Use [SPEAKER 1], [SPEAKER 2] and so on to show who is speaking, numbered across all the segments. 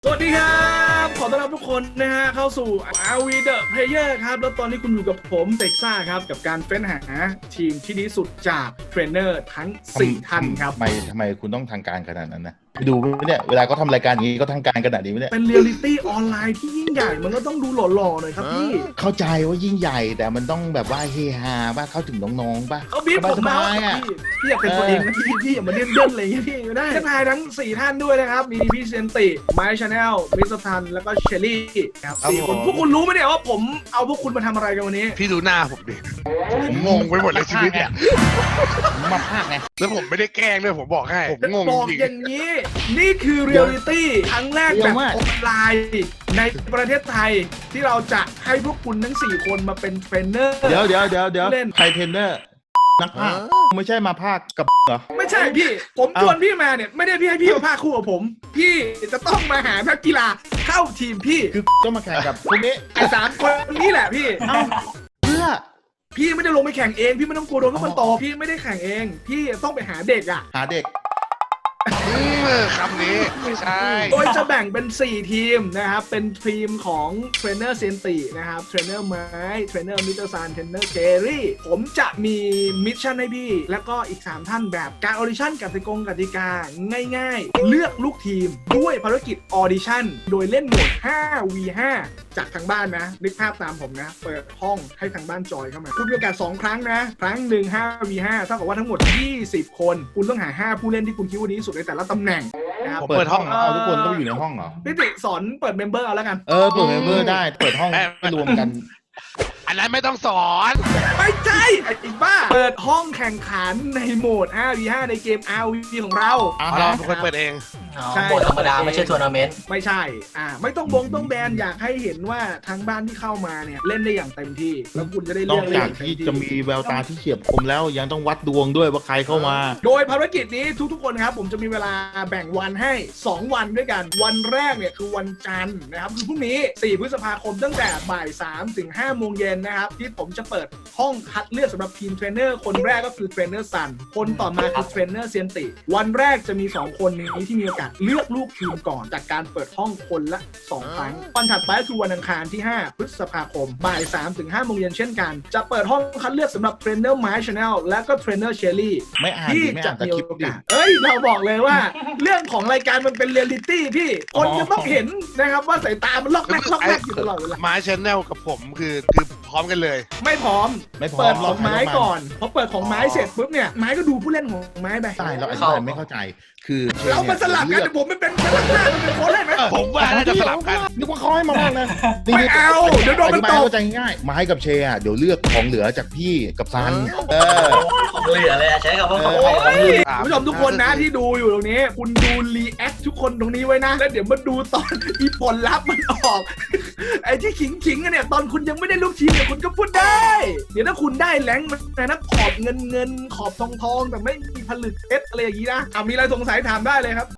[SPEAKER 1] สวัสดีครับขอต้อนรับทุกคนนะฮะเข้าสู่ RV The Player ครับแล้วตอนนี้คุณอยู่กับผมเต็กซ่าครับกับการเฟ้นหาทีมที่ดีสุดจากเทรนเนอร์ทั้ง4ท่านครับ
[SPEAKER 2] ทำไมคุณต้องทางการขนาดนั้นนะไปดูเนี่ยเวลาเขาทำรายการอย่างนี้ก็ทางการขนาดนี้ไหมเนี่ย
[SPEAKER 1] เป็นเรียลลิตี้ออนไลน์ที่ยิ่งใหญ่มันก็ต้องดูหล่อๆหน่อยครับพี่
[SPEAKER 2] เข้าใจว่ายิ่งใหญ่แต่มันต้องแบบว่าเฮฮาบ้าเข้าถึงน้องๆบ้า
[SPEAKER 1] เขาบีบผมมาพี่อยากเป็นตัวเองนะพี่อย่ามาเล่นอะไรอย่างเงี้ยพี่ไม่ได้ทักทายทั้ง4ท่านด้วยนะครับมีพี่เซนติไมค์ชาแนลมิสเตอร์ทันแล้วก็เชลลี่ครับ4คนพวกคุณรู้ไหมเนี่ยว่าผมเอาพวกคุณมาทำอะไรกันวันนี้
[SPEAKER 3] พี่ดูหน้าผมดิผมงงไปหมดเลยชีวิตเนี่ย
[SPEAKER 2] มาภาคไง
[SPEAKER 3] แล้วผมไม่ได้แกล้งด้วยผมบอกให้ผมงง
[SPEAKER 1] บอก
[SPEAKER 3] จริง
[SPEAKER 1] อย่างนี้นี่คือเรียลลิตี้ครั้งแรกแบบออนไลน์ในประเทศไทยที่เราจะให้พวกคุณทั้ง4คนมาเป็นเทรนเนอร์
[SPEAKER 2] เดี๋ยวใครเทรนเนอร์นักภาคไม่ใช่มาภาคกับเหรอ
[SPEAKER 1] ไม่ใช่พี่ผมชวนพี่มาเนี่ยไม่ได้พี่ให้พี่มาภาคคู่กับผมพี่จะต้องมาหานักกีฬาเข้าทีมพี่
[SPEAKER 2] คือต้องมาแข่งกับพวกนี้
[SPEAKER 1] ไอ้3 คนนี้แหละพี่
[SPEAKER 2] เพื่อ
[SPEAKER 1] พี่ไม่ได้ลงไปแข่งเองพี่ไม่ต้องกลัวโดนพวกมันต่อพี่ไม่ได้แข่งเองพี่ต้องไปหาเด็ก
[SPEAKER 2] หาเด็ก
[SPEAKER 3] คำนี้ไม่ใช่
[SPEAKER 1] โดยจะแบ่งเป็น4ทีมนะครับเป็นทีมของเทรนเนอร์เซนตินะครับเทรนเนอร์ไม้เทรนเนอร์มิสเตอร์ซานเทรนเนอร์เจอรี่ผมจะมีมิชชั่นให้พี่แล้วก็อีก3ท่านแบบการออดิชั่นกติกาง่ายๆเลือกลูกทีมด้วยภารกิจออดิชั่นโดยเล่นโหมด 5v5 จากทางบ้านนะนึกภาพตามผมนะเปิดห้องให้ทางบ้านจอยเข้ามาคุณมีโอกาส2 ครั้งนะครั้งหนึ่ง 5v5 เท่ากับว่าทั้งหมด20 คนคุณต้องหา5ผู้เล่นที่คุณคิดว่าดีที่สุดในแต่ละตำแหน่ง
[SPEAKER 2] ผมเปิดห้องทุกคนต้องอยู่ในห้องเหรอ
[SPEAKER 1] พี่ติสอนเปิดเมมเบอร์เอาแล้วกัน
[SPEAKER 2] เปิดเมมเบอร์ได้เปิดห้องรวมกัน
[SPEAKER 3] อันนั้นไม่ต้องสอน
[SPEAKER 1] ไม่ใช่ไอ้บ้าเปิดห้องแข่งขันในโหมด 5v5 ในเกม RV ของเรา
[SPEAKER 3] เราเป็นคนเปิดเอง
[SPEAKER 4] ใช่โหมดธรรมดาไม่ใช่ทัวร์นาเมนต์
[SPEAKER 1] ไม่ใช่ไม่ต้องแบนอยากให้เห็นว่าทางบ้านที่เข้ามาเนี่ยเล่นได้อย่างเต็มที่แล้วคุณจะได้เลือก
[SPEAKER 2] นอกจากที่จะมีแววตาที่เฉียบคมแล้วยังต้องวัดดวงด้วยว่าใครเข้ามา
[SPEAKER 1] โดยภารกิจนี้ทุกคนครับผมจะมีเวลาแบ่งวันให้2 วันด้วยกันวันแรกเนี่ยคือวันจันทร์นะครับคือพรุ่งนี้4 พฤษภาคมตั้งแต่บ่าย 3 ถึง 5 โมงเย็นนะครับที่ผมจะเปิดห้องคัดเลือกสำหรับทีมเทรนเนอร์คนแรกก็คือเทรนเนอร์ซันคนต่อมาคือเทรนเนอร์เซียนติวันแรกจะมี2 คนนี้ที่มีโอกาสเลือกลูกทีมก่อนจากการเปิดห้องคนละ2 ครั้งวันถัดไปคือวันอังคารที่5 พฤษภาคมบ่าย 3 ถึง 5 โมงเย็นเช่นกันจะเปิดห้องคัดเลือกสำหรับเทรนเนอร์ไมค์ชาแนลและก็เทรนเนอร์เชลลี่ที่จะมีโอกาสเราบอกเลยว่าเรื่องของรายการมันเป็นเรียลลิตี้พี่คนจะต้องเห็นนะครับว่าสายตามันล็อกแรกอยู่ตลอดเวลา
[SPEAKER 3] ไม้ชแนลกับผมคือพร้อมกันเลย
[SPEAKER 1] ไม่พร้อมเปิดของไม้ก่อนพอเปิดของไม้เสร็จปุ๊บเนี่ยไม้ก็ดูผู้เล่นของไม้ไป
[SPEAKER 2] ใช่เราอธิบายไม่เข้าใจคือ
[SPEAKER 1] เรามาสลับกันแต่ผมไม่เป็นพนักงานมันเป็นโค้ชได้ไหม
[SPEAKER 3] ผมว่าน่าจะสลับกัน
[SPEAKER 2] นึกว่าเขาให้มาบ้างนะ
[SPEAKER 1] ไม่เอาเดี๋ยวโดนมันตก
[SPEAKER 2] เข้าใจง่ายไม้กับเชอ่ะเดี๋ยวเลือกของเหลือจากพี่กับซัน
[SPEAKER 4] ของเหลือเลยใช้คำว่าของ
[SPEAKER 1] ผู้ชมทุกคนนะที่ดูอยู่ตรงนี้คุณดูรีแอคทุกคนตรงนี้ไว้นะแล้วเดี๋ยวมาดูตอนอีผลลัพธ์มันออกไอ้ที่ขิงกันเนี่ยตอนคุณยังไม่ได้ลูกทีมเนี่ยคุณก็พูดได้เดี๋ยวถ้าคุณได้แรงมันนะขอบเงินขอบทองแต่ไม่มีผลึกเพชรอะไรอย่างนี้นะมีอะไรสงสัยถามได้เลยครับ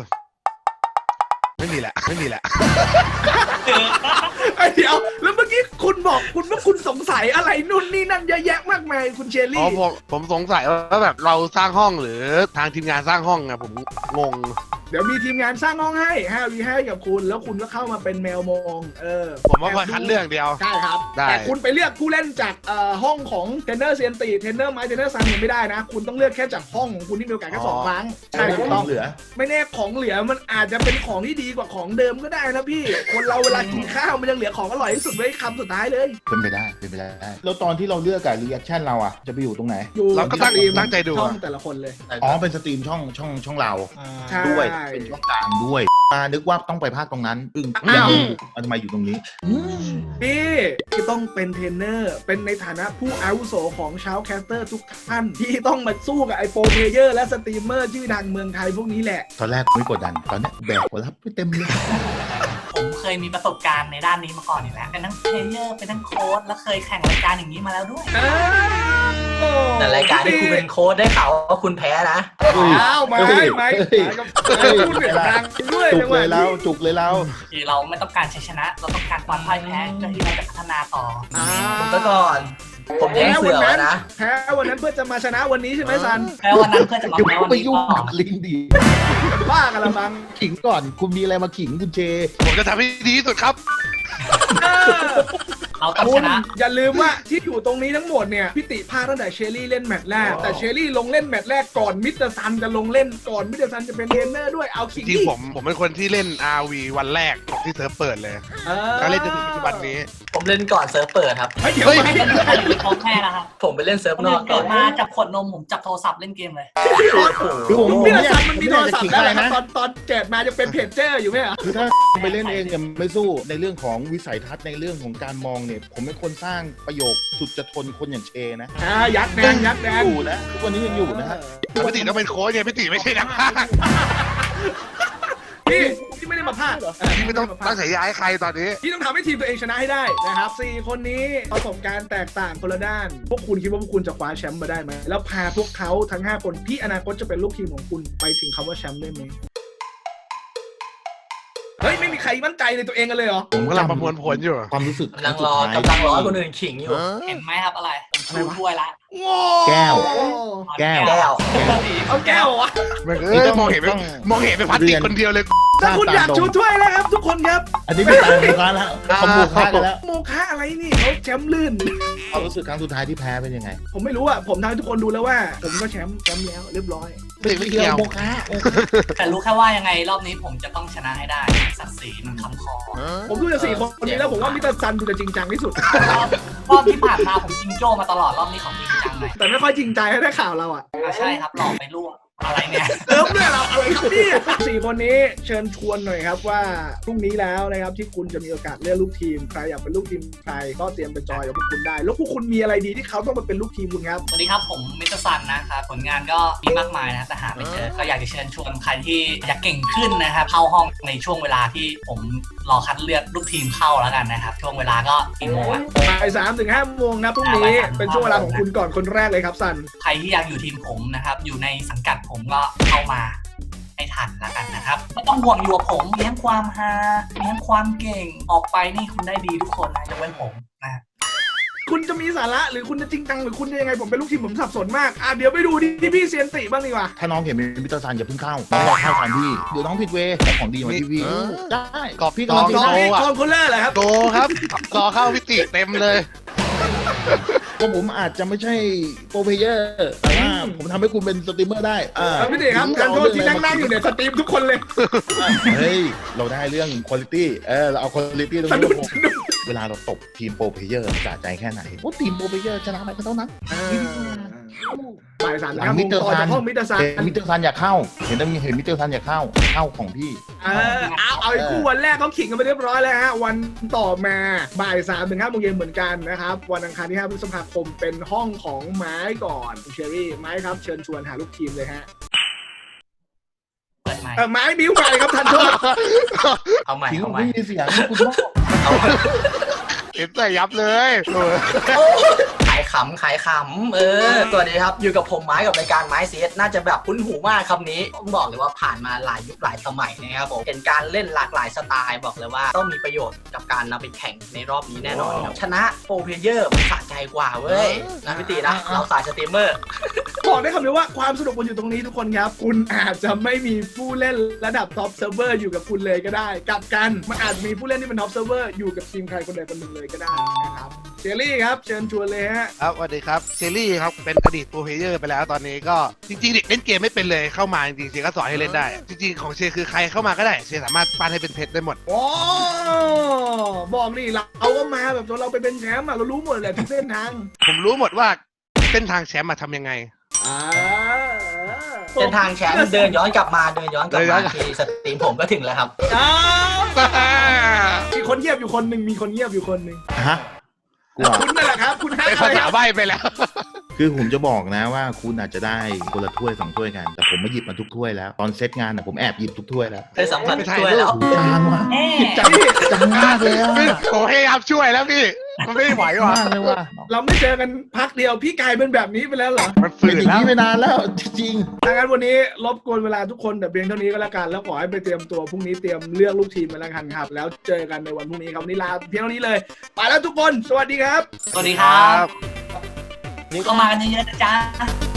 [SPEAKER 3] ไม่มีแหละ
[SPEAKER 1] เดี๋ยวแล้วเมื่อกี้คุณบอกว่าคุณสงสัยอะไรนู่นนี่นั่นเยอะแยะมากมายคุณเชลลี่
[SPEAKER 3] ผมสงสัยว่าแบบเราสร้างห้องหรือทางทีมงานสร้างห้องอะผมงง
[SPEAKER 1] เดี๋ยวมีทีมงานสร้างห้องให้5v5กับคุณแล้วคุณก็เข้ามาเป็นแมวมอง
[SPEAKER 3] ผมว่าคัดเลือกเดียว
[SPEAKER 1] ใช่ครับแต่คุณไปเลือกผู้เล่นจากห้องของเทรนเนอร์เซียนตีเทรนเนอร์ไมค์เทรนเนอร์ซันไม่ได้นะคุณต้องเลือกแค่จากห้องของคุณที่มีโอกาสแค่2 ครั้ง
[SPEAKER 2] ใช่ถูกต้องเหลือ
[SPEAKER 1] ไม่แน่ของเหลือมันอาจจะเป็นของที่ดีกว่าของเดิมก็ได้นะพี่คนเราเวลากินข้าวมันยังเหลือของอร่อยที่สุดไว้คำสุดท้ายเลย
[SPEAKER 2] เป็นไปได้แล้วตอนที่เราเลือกกับรีแอคชั่นเราอ่ะจะไปอยู่ตรงไหน
[SPEAKER 3] เราก็ตั้งใจดู
[SPEAKER 1] ช่องแต่ละคนเลย
[SPEAKER 2] เป็นสตรีมช่องเราด้วยเป็นช่องกลางด้วยนึกว่าต้องไปภาคตรงนั้นทำไมอยู่ตรงนี้
[SPEAKER 1] พี่ที่ต้องเป็นเทรนเนอร์เป็นในฐานะผู้อาวุโสของชาวแคสเตอร์ทุกท่านที่ต้องมาสู้กับไอโปรเพลเยอร์และสตรีมเมอร์ชื่อดังเมืองไทยพวกนี้แหละ
[SPEAKER 2] ตอนแรกไม่กดดันตอนนี้แบกหัวรับไปเต็มเลย
[SPEAKER 4] ผมเคยมีประสบการณ์ในด้านนี้มาก่อนอยู่แล้วเป็นทั้งเพลเยอร์เป็นทั้งโค้ชและเคยแข่งรายการอย่างนี้มาแล้วด้วยแต่รายการที่คุณเป็นโค้ชได้ข่าวว่าคุณแพ้นะ
[SPEAKER 1] ไม่พูดเสียงดังด้วย
[SPEAKER 2] จุกเลยเรา
[SPEAKER 4] คือเราไม่ต้องการชัยชนะเราต้องการความพ่ายแพ้เพื่อที่เราจะพัฒนาต่อคุณก็ก่อนผมแทงเสือไว้นะ
[SPEAKER 1] แพ้วันนั้นเพื่อจะมาชนะวันนี้ใช่ไหมซัน
[SPEAKER 4] แพ้วันนั้นเพื่อจะมา
[SPEAKER 2] อย่า
[SPEAKER 4] แพ้วัน
[SPEAKER 2] ไป
[SPEAKER 4] นี้
[SPEAKER 2] ยุ่ง
[SPEAKER 4] ต่อ
[SPEAKER 2] กับลิงดี
[SPEAKER 1] บ้ากันละมั้ง
[SPEAKER 2] ขิงก่อนคุณมีอะไรมาขิงคุณเจ
[SPEAKER 3] ผมจะทำให้ดีที่สุดครับ
[SPEAKER 4] เราต้อง
[SPEAKER 1] คุ
[SPEAKER 4] ช
[SPEAKER 1] ณ
[SPEAKER 4] นะ
[SPEAKER 1] อย่าลืมว่าที่อยู่ตรงนี้ทั้งหมดเนี่ยพี่ติพลาดตั้งแต่เชอรี่เล่นแมตช์แรกแต่เชอรี่ลงเล่นแมตช์แรกก่อนมิสเตอร์ซันจะลงเล่นก่อนมิสเตอร์ซันจะเป็นเทรนเนอร์ด้วยเอาขิง
[SPEAKER 3] จริงๆผมเป็นคนที่เล่น RV วันแรกที่เซิร์ฟเปิดเลยแล้วเล่นจนถึงปัจจุบันนี้
[SPEAKER 4] ผมเล่นก่อนเซิร์ฟเปิดครับ
[SPEAKER 1] เฮ้ยเดี๋ยว
[SPEAKER 3] เฮ้ย
[SPEAKER 1] ไม่
[SPEAKER 4] ของแค่นะครับผมไปเล่นเซิร์ฟนอกก่
[SPEAKER 5] เกิ
[SPEAKER 4] อน
[SPEAKER 5] ดมาจับขวดนมผมจับโทรศัพท์เล่นเกมเลย
[SPEAKER 2] คือผม
[SPEAKER 1] มิสเตอร์
[SPEAKER 2] เนี่ย
[SPEAKER 1] ซันมันมีโทรศัพท์
[SPEAKER 2] ขิง
[SPEAKER 1] แล้ว
[SPEAKER 2] อะไร
[SPEAKER 1] นะ
[SPEAKER 2] นะ
[SPEAKER 1] ตอนเกิดมาจะเป็นเพจเจอร์อยู่ไหมอ่ะ
[SPEAKER 2] คือถ้าไปเล่นเองเนี่ยไม่สู้ในเรื่องของวิสัยทัศน์ในเรื่องของการมองเนี่ยผมเป็นคนสร้างประโยคสุดจะทนคนอย่างเชนะ
[SPEAKER 1] ยักษ์แดงยักษ์แดง
[SPEAKER 2] อยู่นะทุกวันนี้ยังอยู่นะฮะ
[SPEAKER 3] พี่ติต้องเป็นโค้ชไงพี่ติไม่ใช่นักพากย์
[SPEAKER 1] พี่ไม่ได้มาพลาด
[SPEAKER 3] พี่ไม่ต้องตั้งฉายาให้ใครตอนนี้
[SPEAKER 1] พี่ต้องทำให้ทีมตัวเองชนะให้ได้นะครับ4คนนี้ประสบการณ์แตกต่างคนละด้าน พวกคุณคิดว่าพวกคุณจะคว้าแชมป์มาได้ไหมแล้วพาพวกเขาทั้ง5คนที่อนาคตจะเป็นลูกทีมของคุณไปถึงคำว่าแชมป์ได้ไหมเฮ้ยไม่มีใครมั่นใจในตัวเองกันเลยเหรอ
[SPEAKER 3] ผมกำลังประมวลผลอยู่
[SPEAKER 2] ความรู้สึก
[SPEAKER 4] กำลังรอคนอื่นขิงอยู่
[SPEAKER 5] เห็นไหมครับอะไร ผมชูถ้วยละ
[SPEAKER 2] แก้ว
[SPEAKER 5] แก้
[SPEAKER 2] แก้ว
[SPEAKER 1] เอาแก้วเหรอวะ
[SPEAKER 3] มองเห็นเป็นพลาสติกคนเดียวเลย
[SPEAKER 1] ถ้าคุณอยากชูถ้วยแล้วครับทุกคนครับ
[SPEAKER 2] อันนี้ไม่ตายโมฆะแล้วเขาโมฆะกันแล้ว
[SPEAKER 1] โมฆะอะไรนี่เขาแชมป์ลื่น
[SPEAKER 2] ความรู้สึกครั้งสุดท้ายที่แพ้เป็นยังไง
[SPEAKER 1] ผมไม่รู้อ่ะผมทำให้ทุกคนดูแล้วว่า ผมก็แชมป์แล้วเรียบร้อย
[SPEAKER 3] ไม่เกี่ยว
[SPEAKER 2] โมฆะ
[SPEAKER 5] แต่รู้แค่ว่ายังไงรอบนี้ผมจะต้องชนะให้ได้ศักดิ์ศรีมันคำคอ
[SPEAKER 1] ผมดูจาก4คนนี้แล้วผมว่ามิสเตอร์ซันดูจะจริงจังที่สุด
[SPEAKER 5] รอบที่ผ่านมาผมจิงโจ้มาตลอดรอบนี้ของจริงจังหน่อย
[SPEAKER 1] แต่ไม่ค่อยจริงใจให้ได้ข่าวเราอ่ะ
[SPEAKER 5] ใช่ครับหลอกไปล่วงอะไรเนี่ย
[SPEAKER 1] เติมด้วยเราอะไรครับพี่4คนนี้เชิญชวนหน่อยครับว่าพรุ่งนี้แล้วนะครับที่คุณจะมีโอกาสเลือกลูกทีมใครอยากเป็นลูกทีมใครก็เตรียมไปจอยกับพวกคุณได้แล้วพวกคุณมีอะไรดีที่เขาต้องมาเป็นลูกทีมคุณครับ
[SPEAKER 5] สวัสดีครับผมมิสเตอร์ซันนะครับผลงานก็มีมากมายนะแต่หาไม่เจอก็อยากจะเชิญชวนใครที่อยากเก่งขึ้นนะครับเข้าห้องในช่วงเวลาที่ผมรอคัดเลือกลูกทีมเข้าแล้วกันนะครับช่วงเวลาก็กี่โมงอะ
[SPEAKER 1] บ่าย3 ถึง 5 โมงนะพรุ่งนี้เป็นช่วงเวลาของคุณก่อนคนแรกเลยครับซัน
[SPEAKER 5] ใครที่อยากอยู่ทีมผมนะครับอยู่ในสังกัดผมก็เข้ามาให้ทันแล้วกันนะครับไม่ต้องห่วงอยู่กับผมเลี้ยงความฮาเลี้ยงความเก่งออกไปนี่คุณได้ดีทุกคนนะยกเว้นผมนะ
[SPEAKER 1] คุณจะมีสาระหรือคุณจะจริงจังหรือคุณจะยังไงผมเป็นลูกทีมผมสับสนมากเดี๋ยวไปดูที่พี่เซียนติบ้างดีกว่า
[SPEAKER 2] ถ้าน้องเห็นเป็นมิสเตอร์ซันอย่าเพิ่งเข้าน้องรอเข้าทันพี่เดี๋ยวน้องผิดเวย์แต่ของดีมาที่พี่ได้
[SPEAKER 3] กรอบ
[SPEAKER 2] พี่
[SPEAKER 3] กรอบ
[SPEAKER 2] กำลัง
[SPEAKER 1] น้อง
[SPEAKER 2] จะ
[SPEAKER 1] นี่
[SPEAKER 3] โอ้อะ
[SPEAKER 1] คอนโคลเลอร์เหรอครับ
[SPEAKER 3] โตครับรอเข้าพี่ติเต็มเลย
[SPEAKER 2] ก็ผมอาจจะไม่ใช่โปรเพลเยอร์แต่ว่าผมทำให้คุณเป็นสตรีมเมอร์ได้
[SPEAKER 1] พี่ติครับการโทษที่นั่งอยู่เนี่ยสตรีมทุกคนเลย
[SPEAKER 2] เฮ้ยเราได้เรื่องคุณภาพเราเอาคุณภาพตรง
[SPEAKER 1] สะดุด
[SPEAKER 2] นี้เวลาเราตบทีมโปรเพลเยอร์สะใจแค่ไหนว่าทีมโปรเพลเยอร์ชนะไปก็เท่านั้น
[SPEAKER 1] บ่าย3
[SPEAKER 2] หลั
[SPEAKER 1] ถึ
[SPEAKER 2] ง
[SPEAKER 1] ง
[SPEAKER 2] มิสเตอร์
[SPEAKER 1] ต่อ
[SPEAKER 2] ซั
[SPEAKER 1] จาก
[SPEAKER 2] น
[SPEAKER 1] ห้องมิสเตอร์ซัน
[SPEAKER 2] มิสเตอร์ซันอยากเข้าเห็นมิสเตอร์ซันอยากเข้าของพี่
[SPEAKER 1] เอาไอ้คู่วันแรกเขาขิงกันไปเรียบร้อยแล้วฮะวันต่อมาบ่าย3 ถึง 5 โมงเย็นเหมือนกันนะครับวันอังคารที่ 5 พฤษภาคมเป็นห้องของไม้ก่อนเชอรี่ไม้ครับเชิญชวนหาลูกทีมเลยฮะ
[SPEAKER 5] เปิดไมค์
[SPEAKER 1] ไม้บิ้วไปครับทันโทษ
[SPEAKER 5] เอาใหม่
[SPEAKER 2] ขิง
[SPEAKER 5] เอาใหม่
[SPEAKER 2] ไม่มีเสียงคุณพ่อ
[SPEAKER 3] เห็นใส่ยับเลย
[SPEAKER 4] ขายขำสวัสดีครับอยู่กับผมไม้กับรายการไม้เซียสน่าจะแบบคุ้นหูมากคำนี้ต้องบอกเลยว่าผ่านมาหลายยุคหลายสมัยนะครับผมเป็นการเล่นหลากหลายสไตล์บอกเลยว่าต้องมีประโยชน์กับการนำไปแข่งในรอบนี้แน่นอนครับชนะโปรเพลเยอร์มันสะใจกว่าเว้ยนะพี่ตีนะเราสายสตรีมเมอร์
[SPEAKER 1] บอกได้คำเดียวว่าความสนุกมันอยู่ตรงนี้ทุกคนครับคุณอาจจะไม่มีผู้เล่นระดับท็อปเซิร์ฟเวอร์อยู่กับคุณเลยก็ได้กลับกันมันอาจมีผู้เล่นที่เป็นท็อปเซิร์ฟเวอร์อยู่กับทีมใครคนใดคนหนึ่งเลยก็ได้นะครับเจลลี่ครับเชิญชวนเลยฮะ
[SPEAKER 3] ครับสวัสดีครับเซรี่ครับเป็นอดีตโปรเพลเยอร์ไปแล้วตอนนี้ก็จริงๆเด็กเล่นเกมไม่เป็นเลยเข้ามาจริงๆเชก็สอนให้เล่นได้ จริงๆของเชคือใครเข้ามาก็ได้เชสามารถปั้นให้เป็นเพชรได้หมด
[SPEAKER 1] โอ้บอกนี่เราก็มาแบบเราไปเป็นแชมป์เรารู้หมดเลยทุกเส้นทาง
[SPEAKER 3] ผมรู้หมดว่าเส้นทางแชมป์มาทำยังไง
[SPEAKER 4] เส้นทางแชมป์เดินย้อนกลับมาที่สตรีมผมก็ถึงแล้วครับ
[SPEAKER 1] มีคนเงียบอยู่คนหนึ่งมีคนเงียบอยู่คนหนึ่ง
[SPEAKER 2] ฮะกลัว
[SPEAKER 1] คุณนั่นแหละครับคุณ
[SPEAKER 3] เป็นภาษาใบ้ไปแล้ว
[SPEAKER 2] คือผมจะบอกนะว่าคุณอาจจะได้คนละถ้วย2 ถ้วยกันแต่ผมมาหยิบมาทุกถ้วยแล้วตอนเซตงานผมแอบหยิบทุกถ้วยแล้ว
[SPEAKER 4] ได้สัมผัสด้วยแล้ว
[SPEAKER 2] จางว่ะ
[SPEAKER 5] เอ๊ะ
[SPEAKER 2] จังมากเลยอะ
[SPEAKER 3] ผมพยายามช่วยแล้วพี่มันไม่ไหวว่ะ
[SPEAKER 2] มากเลยว่ะ
[SPEAKER 1] เราไม่เจอกันพักเดียวพี่กลายเป็นแบบนี้ไปแล้วเหรอ
[SPEAKER 3] มันฝื
[SPEAKER 2] เป็น
[SPEAKER 3] น
[SPEAKER 2] อย่าง
[SPEAKER 3] แล้ว
[SPEAKER 2] นี้ไปนานแล้วจริง
[SPEAKER 1] ดังนั้นวันนี้รบกวนเวลาทุกคนแต่เพียงเท่านี้ก็แล้วกันแล้วขอให้ไปเตรียมตัวพรุ่งนี้เตรียมเลือกลูกทีมมาแล้วกันครับแล้วเจอกันในวันพรุ่งนี้ครับวันนี้ลาเพียงเท่านี้เลยไปแล้วทุกคนสวัสดีครับ
[SPEAKER 5] สวัสดีครับ
[SPEAKER 1] ขอบคุณ
[SPEAKER 5] เข้ามากันเยอะๆนะจ๊ะ